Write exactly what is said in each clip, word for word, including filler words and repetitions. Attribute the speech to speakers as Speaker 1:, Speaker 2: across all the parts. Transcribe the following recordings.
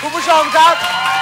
Speaker 1: คุณผู้ชมครับ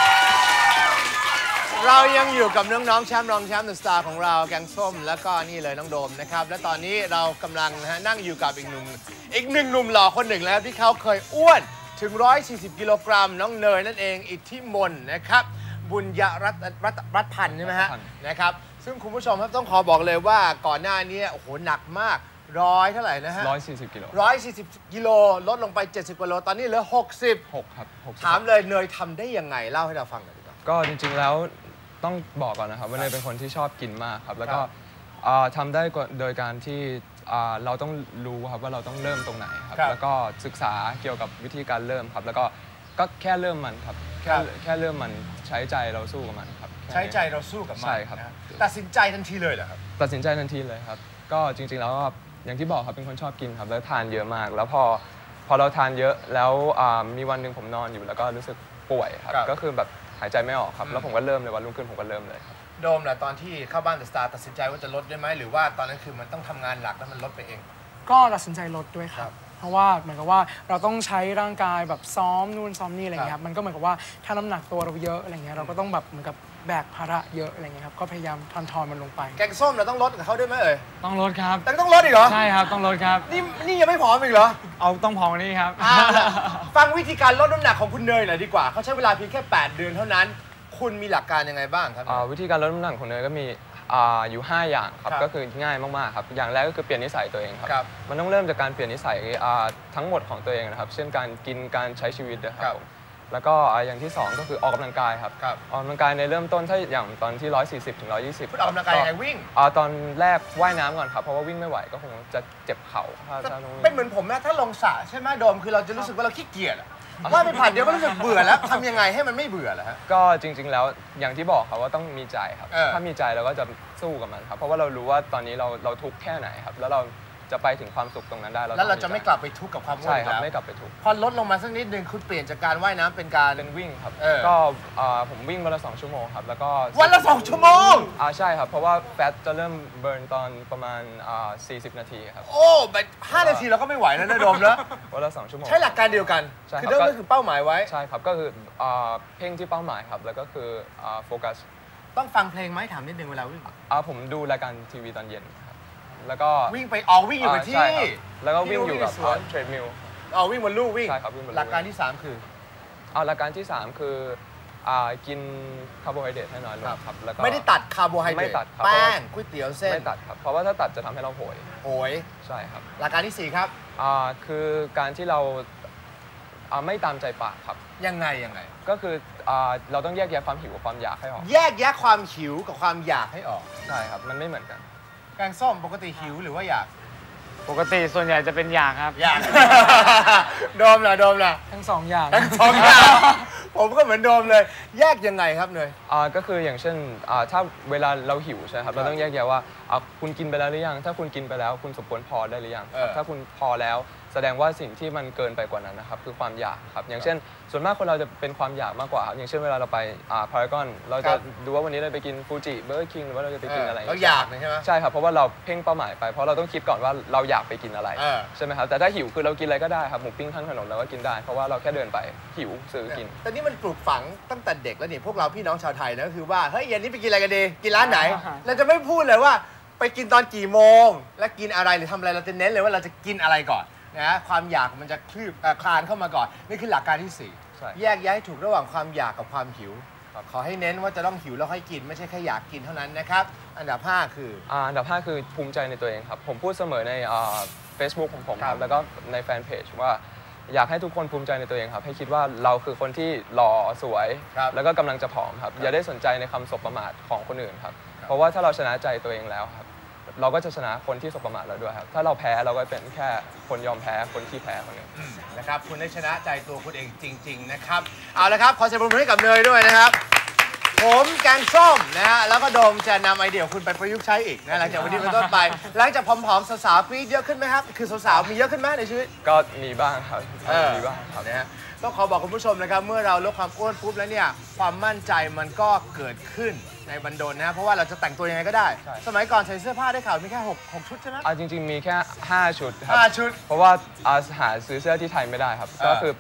Speaker 1: เรายังอยู่กับน้องๆแชมป์รองแชมป์เดอะสตาร์ของเราแกงส้มแล้วก็นี่เลยน้องโดมนะครับและตอนนี้เรากำลังนะฮะนั่งอยู่กับอีกหนุ่มอีกหนึ่งหนุ่มหล่อคนหนึ่งแล้วที่เขาเคยอ้วนถึงหนึ่งร้อยสี่สิบกิโลกรัมน้องเนยนั่นเองอิทธิมนต์นะครับบุญยรัตน์รัตน์รัตน์พันธ์ใช่ไหมฮะนะครับซึ่งคุณผู้ชมครับต้องขอบอกเลยว่าก่อนหน้านี้โอ้โหหนักมากร้อยเท่าไหร่นะฮะ
Speaker 2: ร้อยสี่สิบกิโล
Speaker 1: ร้อยสี่สิบกิโลลดลงไปเจ็ดสิบกิโลตอนนี้เหลือหกสิบ
Speaker 2: หกครับ
Speaker 1: ถามเลยเนยทำได้ยังไงเล่าให้เราฟังหน่อยดีกว่า
Speaker 2: ก็จริงๆแล้วต้องบอกก่อนนะครับว่าเนยเป็นคนที่ชอบกินมากครับแล้วก็ทำได้โดยการที่เราต้องรู้ครับว่าเราต้องเริ่มตรงไหนครับแล้วก็ศึกษาเกี่ยวกับวิธีการเริ่มครับแล้วก็ก็แค่เริ่มมันครับแค่แค่เริ่มมันใช้ใจเราสู้กับมันครับ
Speaker 1: ใช้ใจเราสู้กับมัน
Speaker 2: ใช่ครับ
Speaker 1: ตัดสินใจทันทีเลยเหรอครับ
Speaker 2: ตัดสินใจทันทีเลยครับก็จริงๆแล้วอย่างที่บอกครับเป็นคนชอบกินครับแล้วทานเยอะมากแล้วพอพอเราทานเยอะแล้วมีวันหนึ่งผมนอนอยู่แล้วก็รู้สึกป่วยครับก็คือแบบหายใจไม่ออกครับแล้วผมก็เริ่มเลยวันรุ่งขึ้นผมก็เริ่มเลยครับ
Speaker 1: โดมแหละตอนที่เข้าบ้านเดอะสตาร์ตัดสินใจว่าจะลดได้ไหมหรือว่าตอนนั้นคือมันต้องทำงานหลักแล้วมันลดไปเอง
Speaker 3: ก็ตัดสินใจลดด้วยครับเพราะว่าเหมือนกับว่าเราต้องใช้ร่างกายแบบซ้อมนู่นซ้อมนี่อะไรเงี้ยครับมันก็เหมือนกับว่าถ้าน้ำหนักตัวเราเยอะอะไรเงี้ยเราก็ต้องแบบเหมือนกับแบกภาระเยอะอะไรเงี้ยครับก็พยายามทอนทอนมันลงไป
Speaker 1: แกงส้มเราต้องลดกับเขาด้วยไหมเอ่ย
Speaker 3: ต้องลดครับ
Speaker 1: แต่ต้องลดอีกเหรอ
Speaker 3: ใช่ครับต้องลดครับ
Speaker 1: นี่นี่ยังไม่ผอมอีกเหรอ
Speaker 3: เอาต้องผอมนี่ครับ
Speaker 1: ฟังวิธีการลดน้ำหนักของคุณเนยหน่อยดีกว่าเขาใช้เวลาเพียงแค่แปดเดือนเท่านั้นคุณมีหลักการยังไงบ้างครับ
Speaker 2: วิธีการลดน้ำหนักของเนยก็มีอยู่ห้าอย่างครับก็คือง่ายมากๆครับอย่างแรกก็คือเปลี่ยนนิสัยตัวเองครับมันต้องเริ่มจากการเปลี่ยนนิสัยทั้งหมดของตัวเองนะครับเช่นการกินการใช้ชีวิตนะครับแล้วก็อย่างที่สองก็คือออกกำลังกายครับออกกำลังกายในเริ่มต้นถ้าอย่างตอนที่หนึ่งร้อยสี่สิบถึงหนึ่งร้อยยี่สิบ
Speaker 1: ออกกำลังกายยังไงวิ่ง
Speaker 2: ตอนแรกว่ายน้ำก่อนครับเพราะว่าวิ่งไม่ไหวก็คงจะเจ็บเข่า
Speaker 1: เป็นเหมือนผมนะถ้าลงสระใช่ไหมโดมคือเราจะรู้สึกว่าเราขี้เกียจว่าไปผ่านเดียวก็รู้สึกเบื่อแล้วทำยังไงให้มันไม่เบื่อล่ะฮะ
Speaker 2: ก็จริงๆแล้วอย่างที่บอกครับว่าต้องมีใจครับถ้ามีใจเราก็จะสู้กับมันครับเพราะว่าเรารู้ว่าตอนนี้เราเราทุกข์แค่ไหนครับแล้วเราจะไปถึงความสุขตรงนั้นได้
Speaker 1: แล้วเราจะไม่กลับไปทุกข์กับความอ้วน
Speaker 2: ใช่ครับไม่กลับไปทุกข์
Speaker 1: พอลดลงมาสักนิดนึงคุณเปลี่ยนจากการว่ายน้ำเป็นการ
Speaker 2: เป็นวิ่งครับก็ผมวิ่งวันละสองชั่วโมงครับแล้วก็
Speaker 1: วันละสองชั่วโมง
Speaker 2: อ่าใช่ครับเพราะว่าแฟตจะเริ่มเบิร์นตอนประมาณสี่สิบนาทีครับ
Speaker 1: โอ้แบบห้านาทีเราก็ไม่ไหวแล้วนะโดมแล้ว
Speaker 2: วันละสองชั่วโมง
Speaker 1: ใช้หลักการเดียวกันคือเริ่มก็คือเป้าหมายไว้
Speaker 2: ใช่ครับก็คือเพ่งที่เป้าหมายครับแล้วก็คือโฟกัส
Speaker 1: ต้องฟังเพลงไหมถามนิดนึงเวลาวิ่ง
Speaker 2: ผมดูรายการทีวีตอนเย็นแล้วก็
Speaker 1: วิ่งไปออกวิ่งอยู่กับที่
Speaker 2: แล้วก็วิ่งอยู่กับเทรดมิล
Speaker 1: เอาวิ่งบนลู่วิ่ง
Speaker 2: ใช่ครับวิ่งบนลู่
Speaker 1: หลักการที่สามคือ
Speaker 2: เอาหลักการที่สามคือกินคาร์โบไฮเดรตให้น้อยลงครับแล้วก็
Speaker 1: ไม่ได้ตัดคาร์โบไฮเดรตแป้งก๋วยเตี๋ยวเส้น
Speaker 2: ไม่ตัดครับเพราะว่าถ้าตัดจะทำให้เราโหย
Speaker 1: โหย
Speaker 2: ใช่ครับ
Speaker 1: หลักการที่สี่ครับ
Speaker 2: คือการที่เราไม่ตามใจปากครับ
Speaker 1: ยังไงยังไง
Speaker 2: ก็คือเราต้องแยกแยะความหิวกับความอยากให้ออก
Speaker 1: แยกแยะความหิวกับความอยากให้ออก
Speaker 2: ใช่ครับมันไม่เหมือนกัน
Speaker 1: แกงส้มปกติหิวหรือว่าอยาก
Speaker 3: ปกติส่วนใหญ่จะเป็นอยากครับ
Speaker 1: อยากโดมล่ะโดมล่ะ
Speaker 3: ทั้งสองอย่าง
Speaker 1: ทั้งสองอย่างผมก็เหมือนโดมเลยแยกยังไงครับเนย
Speaker 2: ก็คืออย่างเช่นถ้าเวลาเราหิวใช่ครับเราต้องแยกแยะว่าคุณกินไปแล้วหรือยังถ้าคุณกินไปแล้วคุณสมควรพอได้หรือยังถ้าคุณพอแล้วแสดงว่าสิ่งที่มันเกินไปกว่านั้นนะครับคือความอยากครับอย่างเช่นส่วนมากคนเราจะเป็นความอยากมากกว่าครับอย่างเช่นเวลาเราไปพารากอนเราจะดูว่าวันนี้เราไปกินฟูจิเบอร์เกอร์คิงหรือว่าเราจะไปกินอะไร
Speaker 1: เราอยากใช่ไหม
Speaker 2: ใช่ครับเพราะว่าเราเพ่งเป้าหมายไปเพราะเราต้องคิดก่อนว่าเราอยากไปกินอะไรใช่ไหมครับแต่ถ้าหิวคือเรากินอะไรก็ได้ครับหมูปิ้งข้างถนนเราก็กินได้เพราะว่าเราแค่เดินไปหิวซื้อกิน
Speaker 1: แต่นี่มันปลูกฝังตั้งแต่เด็กแล้วนี่พวกเราพี่น้องชาวไทยนะก็คือว่าเฮ้ยเย็นนี้ไปกินอะไรกันดีกินร้านไหนเราจะไม่พูดเลยว่าไปกินตอนกี่โมงและกินอะไรหรือทำอะไรเราจะเน้นเลยว่าเราจะกินอะไรก่อนนะความอยากมันจะคลืบคลานเข้ามาก่อนนี่คือหลักการที่สี่แยกแยะให้ถูกระหว่างความอยากกับความหิวขอให้เน้นว่าจะต้องหิวแล้วค่อยกินไม่ใช่แค่อยากกินเท่านั้นนะครับอันดับห้าคือ
Speaker 2: อันดับห้าคือภูมิใจในตัวเองครับผมพูดเสมอใน Facebook ของผมครับแล้วก็ในแฟนเพจว่าอยากให้ทุกคนภูมิใจในตัวเองครับให้คิดว่าเราคือคนที่หล่อสวยแล้วก็กำลังจะผอมครับอย่าได้สนใจในคำสบประมาทของคนอื่นครับเพราะว่าถ้าเราชนะใจตัวเองแล้วครับเราก็จะชนะคนที่สบประมาทเราด้วยครับถ้าเราแพ้เราก็เป็นแค่คนยอมแพ้คนที่แพ้คนหนึ่ง
Speaker 1: นะครับคุณได้ชนะใจตัวคุณเองจริงๆนะครับเอาละครับขอเสียงปรบมือให้กับเนยด้วยนะครับผมแกงส้มนะฮะแล้วก็โดมจะนำไอเดียคุณไปประยุกต์ใช้อีกนะหลังจากวันนี้เป็นต้นไปหลังจากผอมๆสาวๆกรี๊ดเยอะขึ้นไหมครับคือสาวๆมีเยอะขึ้นไหมในชีวิต
Speaker 2: ก็มีบ้างครับมีบ้างครับ
Speaker 1: นะฮะต้องขอบอกคุณผู้ชมนะครับเมื่อเราลดความอ้วนปุ๊บแล้วเนี่ยความมั่นใจมันก็เกิดขึ้นในบันดลนะเพราะว่าเราจะแต่งตัวยังไงก็ได้สมัยก่อนใส่เสื้อผ้าได้ข่าวมีแค่หก หกชุดใช่ไหม
Speaker 2: จริงๆมีแค่ห้าชุดครับ
Speaker 1: ห้าชุด
Speaker 2: เพราะว่าหาซื้อเสื้อที่ไทยไม่ได้ครับก็คือ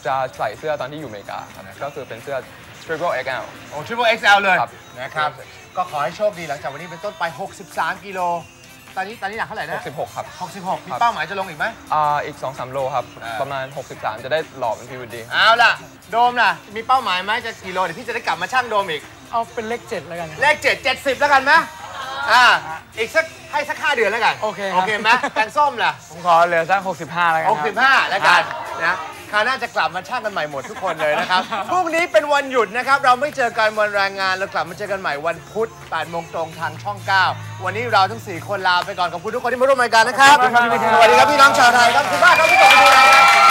Speaker 2: จะใส่เสื้อตอนที่อยู่อเมริกาครับก็คือเป็นเสื้อ Triple เอ็กซ์ แอล
Speaker 1: โอ้ Triple เอ็กซ์ แอล เลย
Speaker 2: ครับ
Speaker 1: นะครับ ก็ขอให้โชคดีหลังจากวันนี้เป็นต้นไป หกสิบสาม กิโล ตอนนี้ตอนนี้หนักเท่าไหร่นะ
Speaker 2: หกสิบหกครับ
Speaker 1: หกสิบหก มีเป้าหมายจะลงอีกไหม
Speaker 2: อ่าอีก สองสาม โลครับ
Speaker 1: อ่า
Speaker 2: ประมาณ หกสิบสาม จะได้หล่อเป็นพีวีดี
Speaker 1: เอาล่ะ โดมล่ะ มีเป้าหมายไหมจะกี่โล เดี๋ยวพี่จะได้กลับมาชั่งโดมอีก
Speaker 3: เอาเป็นเลขเจ็ดแล้วกันครับ
Speaker 1: เลขเจ็ด เจ็ดสิบแล้วกันไหมอ่า อีกสักให้สักห้าเดือนแล้วกัน
Speaker 3: โอเคครับ
Speaker 1: โอเคไหมแกงส้มล่ะ
Speaker 4: ผมขอเหลือสักหกสิบห้าแล้วกัน
Speaker 1: ห
Speaker 4: ค
Speaker 1: ก
Speaker 4: รับ
Speaker 1: สิบห้าแล้วกันนะคราวหน้าจะกลับมาช่างกันใหม่หมดทุกคนเลยนะครับ พรุ่งนี้เป็นวันหยุดนะครับ เราไม่เจอกันวันแรงงาน เรากลับมาเจอกันใหม่วันพุธแปดโมงตรงทางช่องเก้าวันนี้เราทั้งสี่คนลาไปก่อนขอบคุณทุกคนที่มาร่วมรายการนะครับ
Speaker 4: ขอบคุณครับ
Speaker 1: สวัสดีครับพี่น้องชาวไทยครับขอบคุณมากครับที่กลับมาดูรายการ